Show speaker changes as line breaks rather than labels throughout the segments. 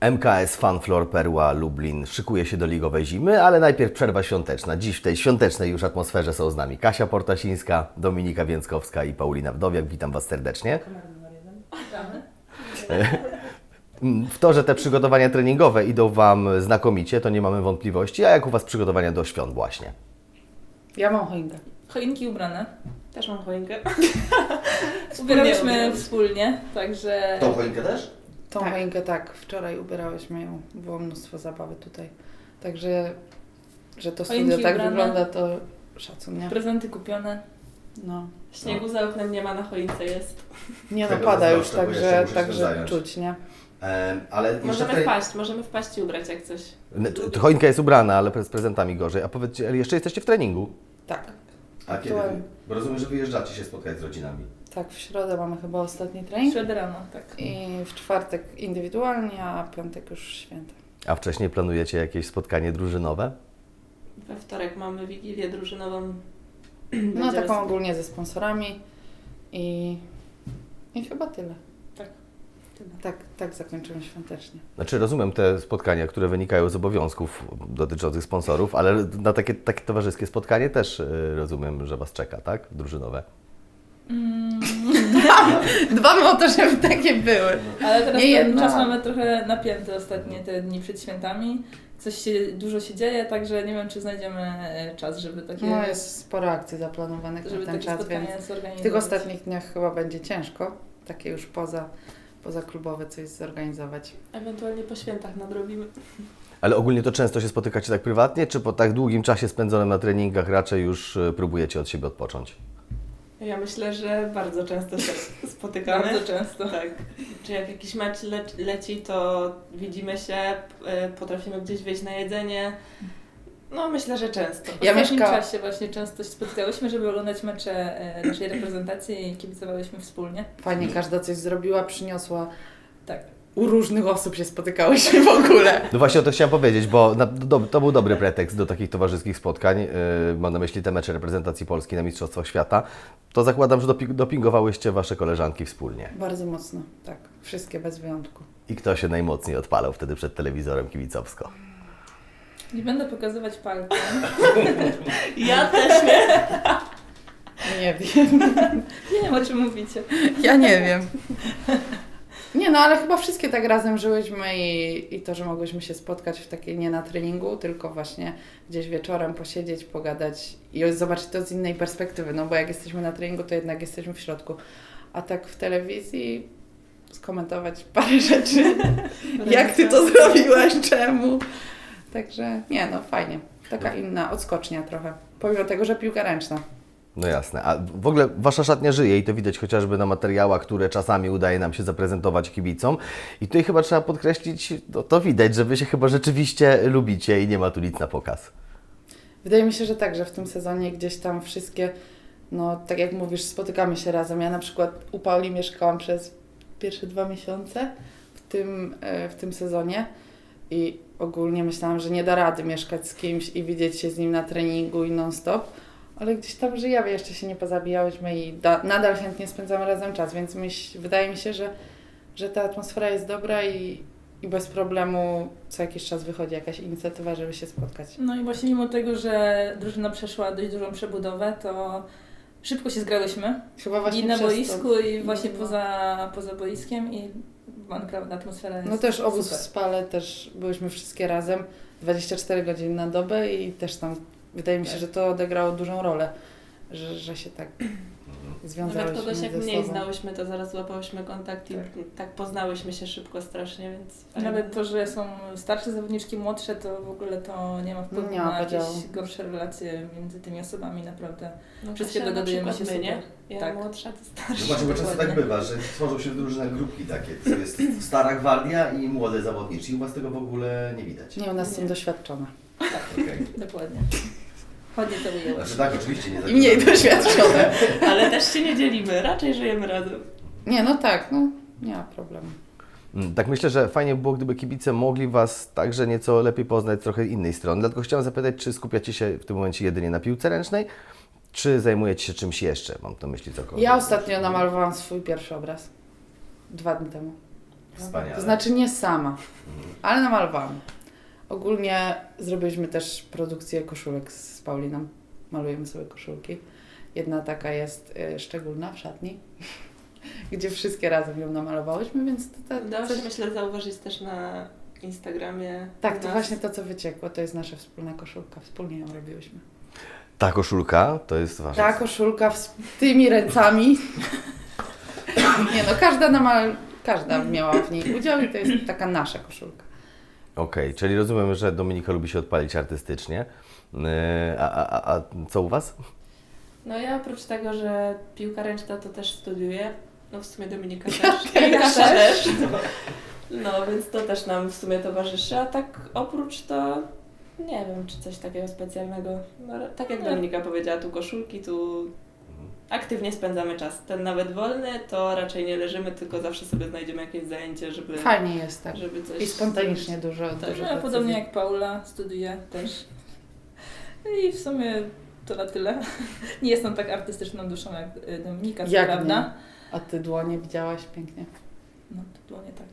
MKS Funfloor Perła Lublin szykuje się do ligowej zimy, ale najpierw przerwa świąteczna. Dziś w tej świątecznej już atmosferze są z nami Kasia Portasińska, Dominika Więckowska i Paulina Wdowiak. Witam Was serdecznie. W to, że te przygotowania treningowe idą Wam znakomicie, to nie mamy wątpliwości. A jak u Was przygotowania do świąt właśnie?
Ja mam choinkę.
Choinki ubrane.
Też mam choinkę.
Ubierałyśmy wspólnie, także...
Tą choinkę też?
Tą
Tak.
choinkę tak, wczoraj ubierałyśmy ją. Było mnóstwo zabawy tutaj. Także, że to studio
Choinki
tak
ubrane.
wygląda, to szacun, nie?
Prezenty kupione.
No.
Śniegu za oknem nie ma, na choince jest.
Nie no,
Tego
pada już,
zazdroszczę, bo jeszcze muszę się
także
zająć.
czuć, nie?
Ale
Możemy wpaść i ubrać jak coś.
Choinka jest ubrana, ale z prezentami gorzej. A powiedzcie, ale jeszcze jesteście w treningu?
Tak.
A kiedy?
Aktualnie.
Bo rozumiem, że wyjeżdżacie się spotkać z rodzinami.
Tak, w środę mamy chyba ostatni
W
trening.
środę rano, tak.
I w czwartek indywidualnie, a piątek już święta.
A wcześniej planujecie jakieś spotkanie drużynowe?
We wtorek mamy wigilię drużynową.
No
Będziemy
taką
sobie-
ogólnie ze sponsorami i chyba tyle.
Tak.
Tak zakończymy świątecznie.
Znaczy rozumiem te spotkania, które wynikają z obowiązków dotyczących sponsorów, ale na takie towarzyskie spotkanie też rozumiem, że Was czeka, tak? Drużynowe.
Dbamy o to, żeby takie były.
Ale teraz
Nie
ten
jedna.
czas mamy trochę napięty ostatnie te dni przed świętami. Dużo się dzieje, także nie wiem, czy znajdziemy czas, żeby takie,
No jest sporo akcji zaplanowanych
żeby
na ten
takie
czas,
spotkania
więc
zorganizować.
w tych ostatnich dniach chyba będzie ciężko takie już poza klubowe coś zorganizować.
Ewentualnie po świętach nadrobimy.
Ale ogólnie to często się spotykacie tak prywatnie, czy po tak długim czasie spędzonym na treningach raczej już próbujecie od siebie odpocząć?
Ja myślę, że bardzo często się spotykamy.
Bardzo często.
Tak. Czy jak jakiś mecz leci, to widzimy się, potrafimy gdzieś wyjść na jedzenie. No myślę, że często.
W
Ja
ostatnim
mieszka-
czasie właśnie często się spotykałyśmy, żeby oglądać mecze naszej reprezentacji i kibicowałyśmy wspólnie.
Fajnie, każda coś zrobiła, przyniosła.
Tak.
U różnych osób się spotykałyśmy w ogóle.
No właśnie o to chciałem powiedzieć, bo to był dobry pretekst do takich towarzyskich spotkań. Mam na myśli te mecze reprezentacji Polski na Mistrzostwach Świata. To zakładam, że dopingowałyście Wasze koleżanki wspólnie.
Bardzo mocno, tak. Wszystkie bez wyjątku.
I kto się najmocniej odpalał wtedy przed telewizorem kibicowsko?
Nie będę pokazywać palcem.
Ja też nie.
Nie wiem.
Nie wiem, o czym mówicie.
Ja nie wiem. Nie no, ale chyba wszystkie tak razem żyłyśmy i to, że mogłyśmy się spotkać w takiej nie na treningu, tylko właśnie gdzieś wieczorem posiedzieć, pogadać i zobaczyć to z innej perspektywy, no bo jak jesteśmy na treningu, to jednak jesteśmy w środku. A tak w telewizji skomentować parę rzeczy. Jak ty to zrobiłaś? Czemu? Także nie no, fajnie. Taka inna odskocznia trochę. Pomimo tego, że piłka ręczna.
No jasne. A w ogóle Wasza szatnia żyje i to widać chociażby na materiałach, które czasami udaje nam się zaprezentować kibicom. I tutaj chyba trzeba podkreślić, to widać, że Wy się chyba rzeczywiście lubicie i nie ma tu nic na pokaz.
Wydaje mi się, że tak, że w tym sezonie gdzieś tam wszystkie, no tak jak mówisz, spotykamy się razem. Ja na przykład u Pauli mieszkałam przez pierwsze 2 miesiące w tym sezonie i ogólnie myślałam, że nie da rady mieszkać z kimś i widzieć się z nim na treningu i non-stop, ale gdzieś tam żyjemy, jeszcze się nie pozabijałyśmy i nadal chętnie spędzamy razem czas, więc wydaje mi się, że ta atmosfera jest dobra i bez problemu co jakiś czas wychodzi jakaś inicjatywa, żeby się spotkać.
No i właśnie mimo tego, że drużyna przeszła dość dużą przebudowę, to szybko się zgrałyśmy.
Chyba właśnie
I na
przez to.
boisku, i właśnie
No.
poza boiskiem i naprawdę atmosfera jest
No też obóz w
super.
Spale, też byłyśmy wszystkie razem 24 godziny na dobę i też tam wydaje mi się,
Tak.
że to odegrało dużą rolę, że się tak
Nawet
związałyśmy
kogoś jak
ze
mniej
sobą.
znałyśmy, to zaraz złapałyśmy kontakt i tak poznałyśmy się szybko strasznie, więc fajnie.
Nawet to, że są starsze zawodniczki, młodsze, to w ogóle to nie ma wpływu
Nie ma
na jakieś
podziału.
gorsze relacje między tymi osobami, naprawdę.
No,
Wszystkie
Kasia na
dogadujemy
przykład
się
my, nie?
super.
Ja
Tak.
młodsza, to
No
starsza.
właśnie, bo często tak
Dokładnie.
bywa, że tworzą się różne grupki takie. To jest stara gwardia i młode zawodniczy. I u Was tego w ogóle nie widać.
Nie, u nas są
Nie.
doświadczone.
Okej.
Dokładnie. Ładnie to ujęłaś.
Znaczy tak, oczywiście nie
I mniej
zakładam.
doświadczone.
Ale też się nie dzielimy, raczej żyjemy razem.
Nie, no tak, no nie ma problemu.
Tak myślę, że fajnie by było, gdyby kibice mogli Was także nieco lepiej poznać z trochę innej strony. Dlatego chciałem zapytać, czy skupiacie się w tym momencie jedynie na piłce ręcznej, czy zajmujecie się czymś jeszcze? Mam na myśli cokolwiek.
Ja ostatnio namalowałam swój pierwszy obraz. 2 dni temu.
Wspaniale.
To znaczy nie sama, ale namalowałam. Ogólnie zrobiliśmy też produkcję koszulek z Pauliną. Malujemy sobie koszulki. Jedna taka jest szczególna w szatni, gdzie wszystkie razem ją namalowałyśmy, więc
Udało się, myślę, zauważyć też na Instagramie.
Tak,
u
to
nas.
właśnie to, co wyciekło, to jest nasza wspólna koszulka. Wspólnie ją robiłyśmy.
Ta koszulka to jest wasza.
Ta koszulka z tymi ręcami. Nie no, każda miała w niej udział i to jest taka nasza koszulka.
Okej, czyli rozumiem, że Dominika lubi się odpalić artystycznie. A co u Was?
No ja oprócz tego, że piłka ręczna to też studiuję. No w sumie Dominika też.
Ja
I Kasia
też.
też. No więc to też nam w sumie towarzyszy. A tak oprócz to nie wiem, czy coś takiego specjalnego. No, tak jak Dominika powiedziała, tu koszulki, tu aktywnie spędzamy czas. Ten nawet wolny, to raczej nie leżymy, tylko zawsze sobie znajdziemy jakieś zajęcie, żeby,
Fajnie jest tak.
żeby coś...
I spontanicznie dużo
Tak,
dużo
no, ja
decyzji.
podobnie jak Paula, studiuję też. I w sumie to na tyle. Nie jestem tak artystyczną duszą jak Dominika, co
Jak
prawda.
nie? A ty dłonie widziałaś pięknie.
No to było nie tak.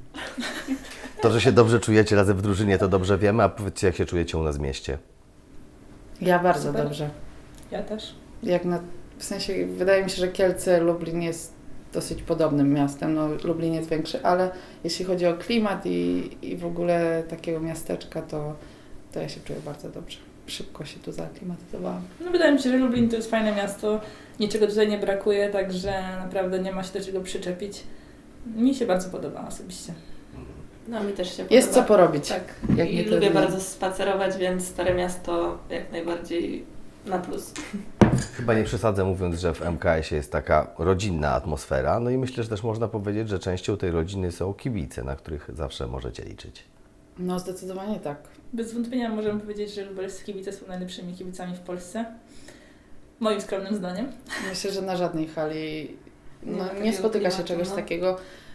To, że się dobrze czujecie razem w drużynie, to dobrze wiemy, a powiedzcie, jak się czujecie u nas w mieście.
Ja bardzo
Super.
dobrze.
Ja też.
W sensie wydaje mi się, że Kielce, Lublin jest dosyć podobnym miastem. No, Lublin jest większy, ale jeśli chodzi o klimat i w ogóle takiego miasteczka, to ja się czuję bardzo dobrze. Szybko się tu zaaklimatyzowałam.
No wydaje mi się, że Lublin to jest fajne miasto. Niczego tutaj nie brakuje, także naprawdę nie ma się do czego przyczepić. Mi się bardzo podoba osobiście.
No mi też się podoba.
Jest co porobić.
Tak.
Jak
I
nie
lubię
trudniej.
bardzo spacerować, więc Stare Miasto jak najbardziej na plus.
Chyba nie przesadzę mówiąc, że w MKS-ie jest taka rodzinna atmosfera, no i myślę, że też można powiedzieć, że częścią tej rodziny są kibice, na których zawsze możecie liczyć.
No zdecydowanie tak.
Bez wątpienia możemy powiedzieć, że lubelscy kibice są najlepszymi kibicami w Polsce. Moim skromnym zdaniem.
Myślę, że na żadnej hali
Nie ma
nie
takiego
spotyka się
klimatu,
czegoś
no.
takiego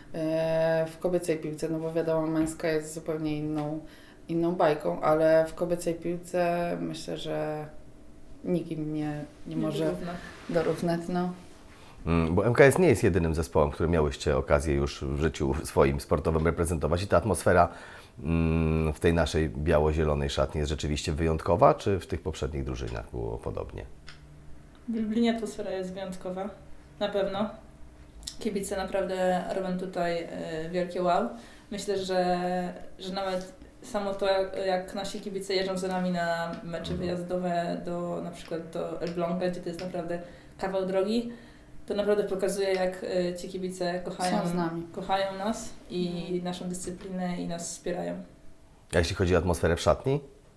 w kobiecej piłce, no bo wiadomo, męska jest zupełnie inną bajką, ale w kobiecej piłce myślę, że nikt im nie może
Równo.
dorównać. No.
Bo MKS nie jest jedynym zespołem, który miałyście okazję już w życiu swoim sportowym reprezentować i ta atmosfera w tej naszej biało-zielonej szatni jest rzeczywiście wyjątkowa, czy w tych poprzednich drużynach było podobnie?
W Lublinie atmosfera jest wyjątkowa. Na pewno. Kibice naprawdę robią tutaj wielkie wow. Myślę, że nawet samo to, jak nasi kibice jeżdżą za nami na mecze wyjazdowe na przykład do Elbląga, gdzie to jest naprawdę kawał drogi, to naprawdę pokazuje, jak ci kibice
Są z nami.
kochają nas i naszą dyscyplinę i nas wspierają.
A jeśli chodzi o atmosferę w szatni?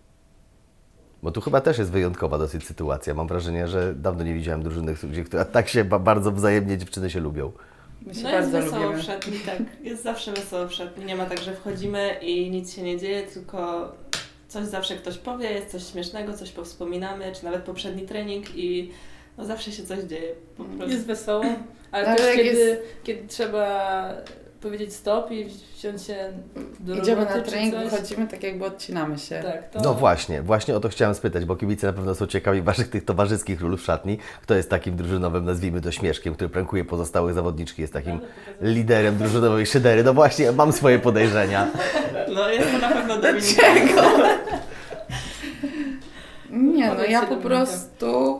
Bo tu chyba też jest wyjątkowa dosyć sytuacja. Mam wrażenie, że dawno nie widziałem drużyny, które tak się bardzo wzajemnie dziewczyny się lubią.
My się
No jest
bardzo
wesoło
lubimy.
w szatni, tak. Jest zawsze wesoło w szatni. Nie ma tak, że wchodzimy i nic się nie dzieje, tylko coś zawsze ktoś powie, jest coś śmiesznego, coś powspominamy, czy nawet poprzedni trening i no zawsze się coś dzieje. Po prostu.
Jest wesoło, ale
Ale
też
jak
kiedy trzeba powiedzieć stop i wziąć się do
Idziemy
roboty
na
czy
trening,
coś.
wychodzimy tak jakby odcinamy się.
Tak, to
No właśnie o to chciałem spytać, bo kibice na pewno są ciekawi waszych tych towarzyskich ról w szatni. Kto jest takim drużynowym, nazwijmy to śmieszkiem, który prankuje pozostałych zawodniczki, jest takim liderem drużynowej szydery. No właśnie, mam swoje podejrzenia.
No jest to na pewno Dominika.
Nie, no
Powiedz
ja
się,
po
Dominika.
prostu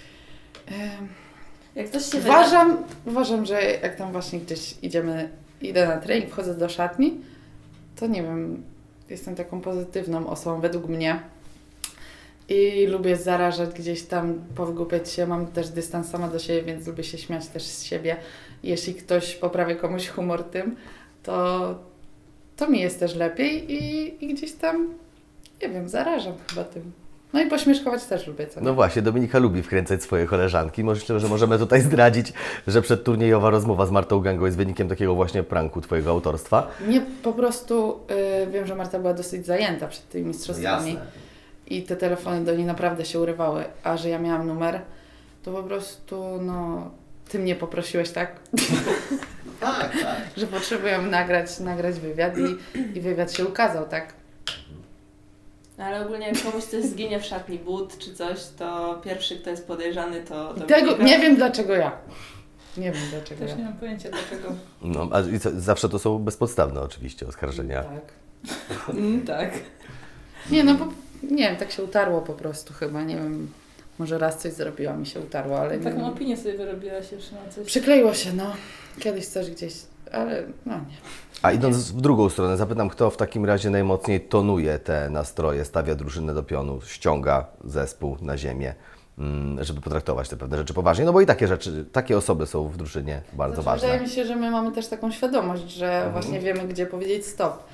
Jak ktoś się
uważam, że jak tam właśnie gdzieś idę na trening, wchodzę do szatni, to nie wiem, jestem taką pozytywną osobą według mnie i lubię zarażać gdzieś tam, powygłupiać się, mam też dystans sama do siebie, więc lubię się śmiać też z siebie. Jeśli ktoś poprawia komuś humor tym, to mi jest też lepiej i gdzieś tam, nie wiem, zarażam chyba tym. No i pośmieszkować też lubię, co nie?
No właśnie, Dominika lubi wkręcać swoje koleżanki. Myślę, że możemy tutaj zdradzić, że przedturniejowa rozmowa z Martą Gangą jest wynikiem takiego właśnie pranku twojego autorstwa.
Nie, po prostu wiem, że Marta była dosyć zajęta przed tymi mistrzostwami i te telefony do niej naprawdę się urywały, a że ja miałam numer, to po prostu, no, ty mnie poprosiłeś, tak?
Tak.
Że potrzebuję nagrać wywiad i wywiad się ukazał, tak?
Ale ogólnie jak komuś coś zginie w szatni, but czy coś, to pierwszy, kto jest podejrzany, to
Tego
Dominika.
nie wiem dlaczego ja. Nie wiem dlaczego
Też
ja.
nie mam pojęcia dlaczego.
No, a i co, zawsze to są bezpodstawne oczywiście oskarżenia.
Tak.
Tak.
Nie, no bo nie wiem, tak się utarło po prostu chyba, nie wiem. Może raz coś zrobiłam i się utarło, ale nie
Taką
wiem.
opinię sobie wyrobiłaś już na coś.
Przykleiło się, no. Kiedyś coś gdzieś, ale no nie.
A idąc w drugą stronę, zapytam, kto w takim razie najmocniej tonuje te nastroje, stawia drużynę do pionu, ściąga zespół na ziemię, żeby potraktować te pewne rzeczy poważnie, no bo i takie rzeczy, takie osoby są w drużynie bardzo
Znaczy,
ważne.
wydaje mi się, że my mamy też taką świadomość, że właśnie wiemy, gdzie powiedzieć stop.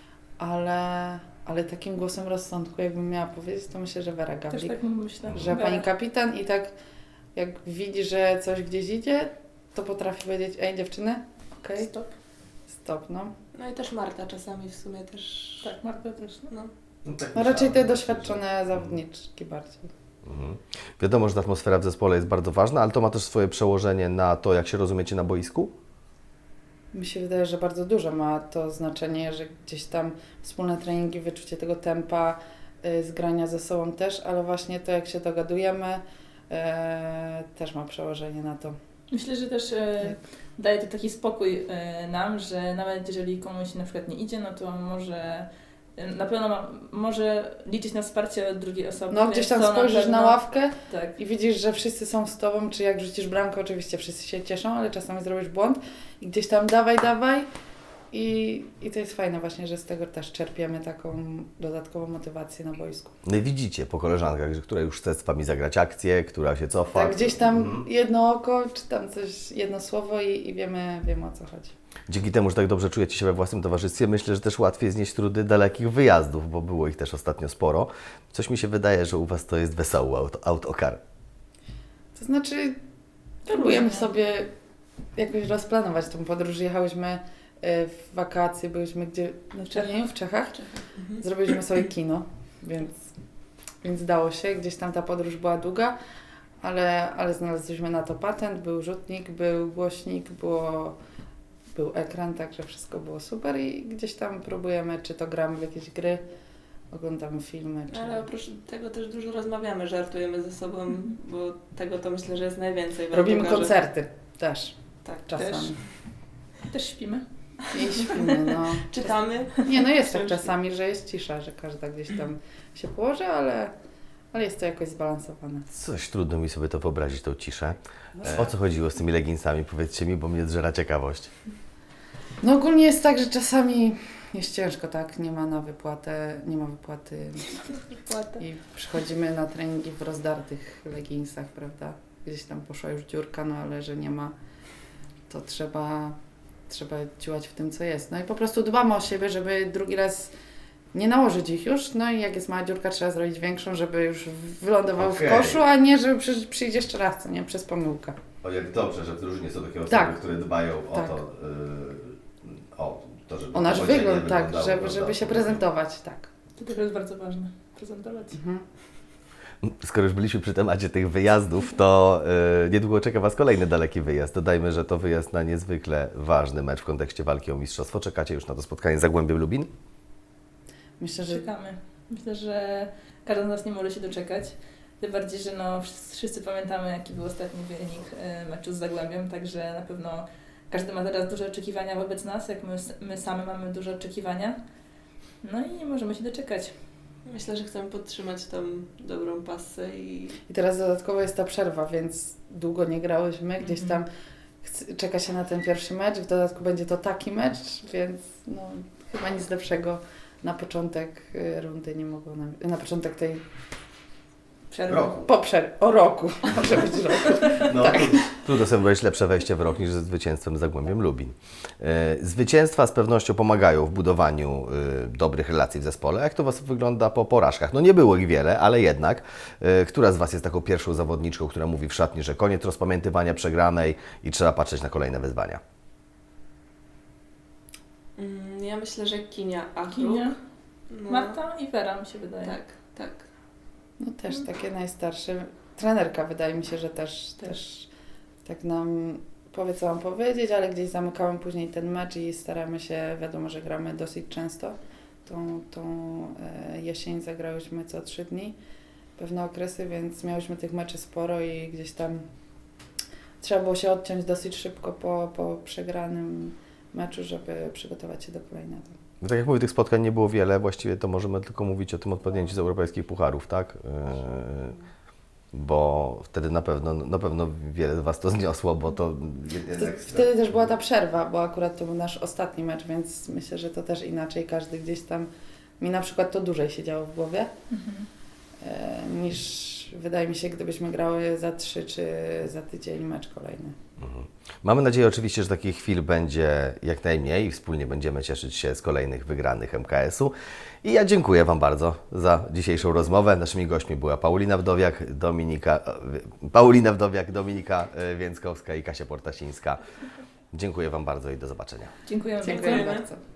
Ale takim głosem rozsądku, jakbym miała powiedzieć, to myślę, że Wera
Też
Gawlik.
tak myślę.
Że pani kapitan i tak jak widzi, że coś gdzieś idzie, to potrafi powiedzieć, ej dziewczyny, okej,
Stop.
stop, no.
No i też Marta czasami w sumie też.
Tak, Marta też. No.
No raczej te doświadczone zawodniczki bardziej.
Mhm. Wiadomo, że ta atmosfera w zespole jest bardzo ważna, ale to ma też swoje przełożenie na to, jak się rozumiecie na boisku?
Mi się wydaje, że bardzo dużo ma to znaczenie, że gdzieś tam wspólne treningi, wyczucie tego tempa, zgrania ze sobą też, ale właśnie to, jak się dogadujemy, też ma przełożenie na to.
Myślę, że też daje to taki spokój nam, że nawet jeżeli komuś na przykład nie idzie, no to może na pewno może liczyć na wsparcie drugiej osoby.
No gdzieś tam
co
spojrzysz
pewno-
na ławkę
Tak.
i widzisz, że wszyscy są z tobą, czy jak rzucisz bramkę, oczywiście wszyscy się cieszą, ale czasami zrobisz błąd i gdzieś tam dawaj i to jest fajne właśnie, że z tego też czerpiemy taką dodatkową motywację na boisku.
No i widzicie po koleżankach, że która już chce z Wami zagrać akcję, która się cofa.
Tak, gdzieś tam jedno oko, czy tam coś, jedno słowo i wiemy o co chodzi.
Dzięki temu, że tak dobrze czujecie się we własnym towarzystwie, myślę, że też łatwiej znieść trudy dalekich wyjazdów, bo było ich też ostatnio sporo. Coś mi się wydaje, że u Was to jest wesoły autokar.
To znaczy, próbujemy sobie jakoś rozplanować tą podróż. Jechałyśmy w wakacje, byliśmy gdzie? Na Czernieniu, w Czechach. Zrobiliśmy sobie kino, więc dało się. Gdzieś tam ta podróż była długa, ale znaleźliśmy na to patent. Był rzutnik, był głośnik, był ekran, także wszystko było super i gdzieś tam próbujemy, czy to gramy w jakieś gry, oglądamy filmy. Czy...
Ale oprócz tego też dużo rozmawiamy, żartujemy ze sobą, bo tego to myślę, że jest najwięcej. w
Robimy
autokarze.
koncerty też
Tak,
czasami.
Też śpimy.
I śpimy, no.
Czytamy.
Nie, no jest tak czasami, że jest cisza, że każda gdzieś tam się położy, ale jest to jakoś zbalansowane.
Coś trudno mi sobie to wyobrazić, tą ciszę. O co chodziło z tymi leginsami? Powiedzcie mi, bo mnie zżera ciekawość.
No ogólnie jest tak, że czasami jest ciężko, tak? Nie ma wypłaty
Płatę.
i przychodzimy na treningi w rozdartych leginsach, prawda? Gdzieś tam poszła już dziurka, no ale że nie ma, to trzeba działać w tym, co jest. No i po prostu dbamy o siebie, żeby drugi raz nie nałożyć ich już, no i jak jest mała dziurka, trzeba zrobić większą, żeby już wylądował w koszu, a nie, żeby przyjdzie jeszcze raz, co nie? Przez pomyłkę.
O, jak dobrze, że w drużynie są takie osoby,
Tak.
które dbają
Tak.
o to, żeby
O nasz
powodzenie
wygląd, tak,
wyglądało,
żeby się
prawda?
prezentować, tak.
To też jest bardzo ważne. Prezentować.
Mhm.
Skoro już byliśmy przy temacie tych wyjazdów, to niedługo czeka Was kolejny daleki wyjazd. Dodajmy, że to wyjazd na niezwykle ważny mecz w kontekście walki o mistrzostwo. Czekacie już na to spotkanie z Zagłębiem Lubin?
Myślę, że
Czekamy. Myślę, że każdy z nas nie może się doczekać. Tym bardziej, że no, wszyscy pamiętamy, jaki był ostatni wynik meczu z Zagłębiem, także na pewno każdy ma teraz duże oczekiwania wobec nas, jak my same mamy duże oczekiwania. No i nie możemy się doczekać.
Myślę, że chcemy podtrzymać tą dobrą pasę i
i teraz dodatkowo jest ta przerwa, więc długo nie grałyśmy, gdzieś tam czeka się na ten pierwszy mecz, w dodatku będzie to taki mecz, więc no, chyba nic lepszego na początek rundy nie mogło nam, na początek tej
Przerwa.
o roku, może być roku.
No,
Tak.
trudno sobie wyobrazić lepsze wejście w rok niż ze zwycięstwem z Zagłębiem Lubin. Zwycięstwa z pewnością pomagają w budowaniu dobrych relacji w zespole. Jak to Was wygląda po porażkach? No nie było ich wiele, ale jednak. Która z Was jest taką pierwszą zawodniczką, która mówi w szatni, że koniec rozpamiętywania przegranej i trzeba patrzeć na kolejne wyzwania?
ja myślę, że Kinia Achruk.
Kinia,
No,
Marta i Wera mi się wydaje.
tak.
No też takie najstarsze. Trenerka wydaje mi się, że też tak nam powie, co mam powiedzieć, ale gdzieś zamykamy później ten mecz i staramy się, wiadomo, że gramy dosyć często. Tą jesień zagrałyśmy co 3 dni, pewne okresy, więc miałyśmy tych meczy sporo i gdzieś tam trzeba było się odciąć dosyć szybko po przegranym meczu, żeby przygotować się do kolejnego.
No tak jak mówię, tych spotkań nie było wiele, właściwie to możemy tylko mówić o tym odpadnięciu z europejskich pucharów, tak? Bo wtedy na pewno wiele z Was to zniosło, bo to jednak...
Wtedy też była ta przerwa, bo akurat to był nasz ostatni mecz, więc myślę, że to też inaczej. Każdy gdzieś tam, mi na przykład to dłużej siedziało w głowie, niż wydaje mi się, gdybyśmy grały za 3 czy za tydzień mecz kolejny.
Mamy nadzieję oczywiście, że takich chwil będzie jak najmniej i wspólnie będziemy cieszyć się z kolejnych wygranych MKS-u. I ja dziękuję Wam bardzo za dzisiejszą rozmowę. Naszymi gośćmi była Paulina Wdowiak, Dominika Więckowska i Kasia Portasińska. Dziękuję Wam bardzo i do zobaczenia.
Dziękujemy
Dziękuję
bardzo.
bardzo.